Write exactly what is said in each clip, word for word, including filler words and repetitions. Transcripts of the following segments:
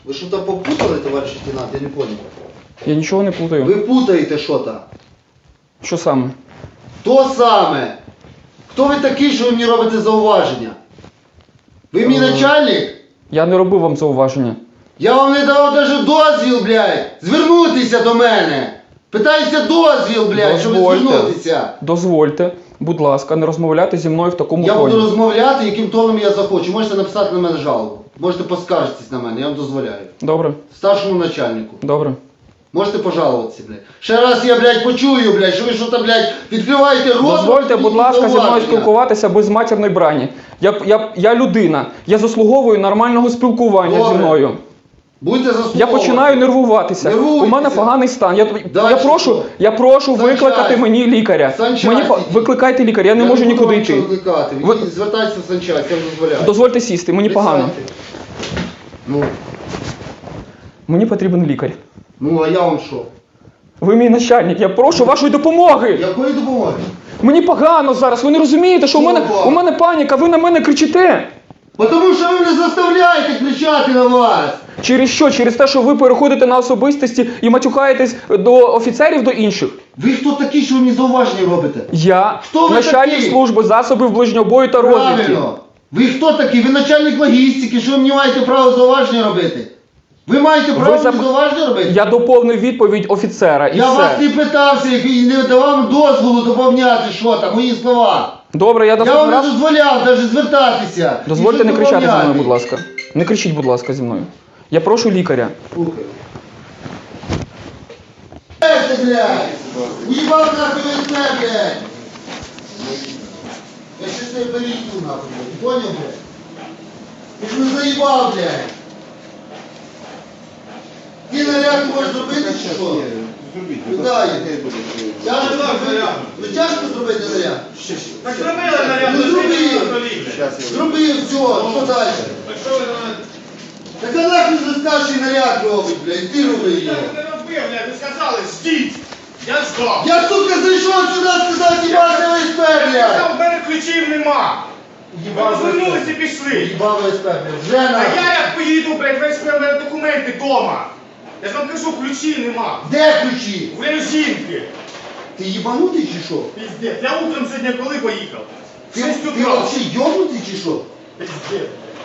Ви що там попутали, товариш лейтенант? Я не понял. Я нічого не плутаю. Ви путаєте що-то. Що саме? То саме. Хто ви такий, що ви мені робите зауваження? Ви мій начальник? Я не робив вам зауваження. Я вам не давав навіть дозвіл, блядь, звернутися до мене. Питаюся дозвіл, блядь, щоб Дозвольте. звернутися. Дозвольте, будь ласка, не розмовляти зі мною в такому Я тоні. буду розмовляти, яким тоном я захочу. Можете написати на мене жалобу. Можете поскаржитись на мене, я вам дозволяю. Добре, Старшому начальнику. добре. Можете пожалуватися, блядь. Ще раз я, блядь, почую, блядь, що ви що там, блядь, відкриваєте рот. Дозвольте, будь ласка, зі мною спілкуватися без матірної брані. Я, я, я людина, я заслуговую нормального спілкування Добре. зі мною. Будьте заслуговувати. Я починаю нервуватися. Нервуйтеся. У мене поганий стан. Я, Да, я що? прошу, я прошу Санчасть. викликати мені лікаря. Санчасть Мені по- ідіть. викликайте лікаря, я не Я можу буду нікуди вам йти. нічого викликати. Ви- Ви звертайтеся в санчасть, я вам дозволяю. Дозвольте сісти, мені погано. Присядьте. Ну, Мені потрібен лікар. ну, а я вам що? Ви мій начальник, я прошу вашої допомоги. Якої допомоги? Мені погано зараз, ви не розумієте, що у мене, Опа. у мене паніка, ви на мене кричите. Тому що ви мене заставляєте кричати на вас. Через що? Через те, що ви переходите на особистості і матюхаєтесь до офіцерів, до інших? Ви хто такі, що ви мені зауваження робите? Я Хто ви начальник такий? служби засобів ближнього бою та розвідки. Правильно. Ви хто такий? Ви начальник логістики, що ви мені маєте право зауваження робити? Ви маєте право Ви мені зап- зауваження робити? Я доповнив відповідь офіцера і Я все. вас не питався і не давав дозволу доповняти що там, мої слова. Добре, я Я вам наступний не раз... дозволяв навіть звертатися. Дозвольте І не щось кричати зі мною, доповняти. будь ласка. Не кричіть, будь ласка, зі мною. Я прошу лікаря. Слухай. Эй, ты, блядь! Уебал нахуй ВСП, блядь! Я сейчас тебе перейду нахуй, блядь. Понял, блядь? Ты ж не заебал, блядь! Ти наряд можеш зробити чи що? Куда є? Тяжко зробити? Ну тяжко зробити наряд? Так зробили наряд, Ну зробив! зробив. Зробив, все, що далі? Так що ви на мене? Так а нахуй за старший наряд робить, блядь, ти роби Я його. не робив, блядь, ви сказали, ждіть. Я ждав. Я, сука, зайшов сюди сказати, їбати ВСП, Я блядь! сказав, в мене ключів нема. Ви розвернулися і пішли. Їбав ВСП, блядь, вже А на... я як поїду, блядь, весь в мене документи вдома. Я ж вам кажу, ключів нема. Де ключі? У мене жінки. Ти їбанутий чи що? Піздець. Я утром сьогодні коли поїхав? Ти, Шість ти утра. взагалі йобнутий чи що? Піздець.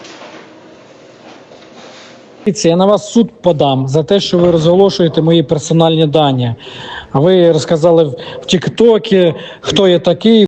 Дивіться, я на вас в суд подам за те, що ви розголошуєте мої персональні дані. Ви розказали в Тіктокі, хто я такий.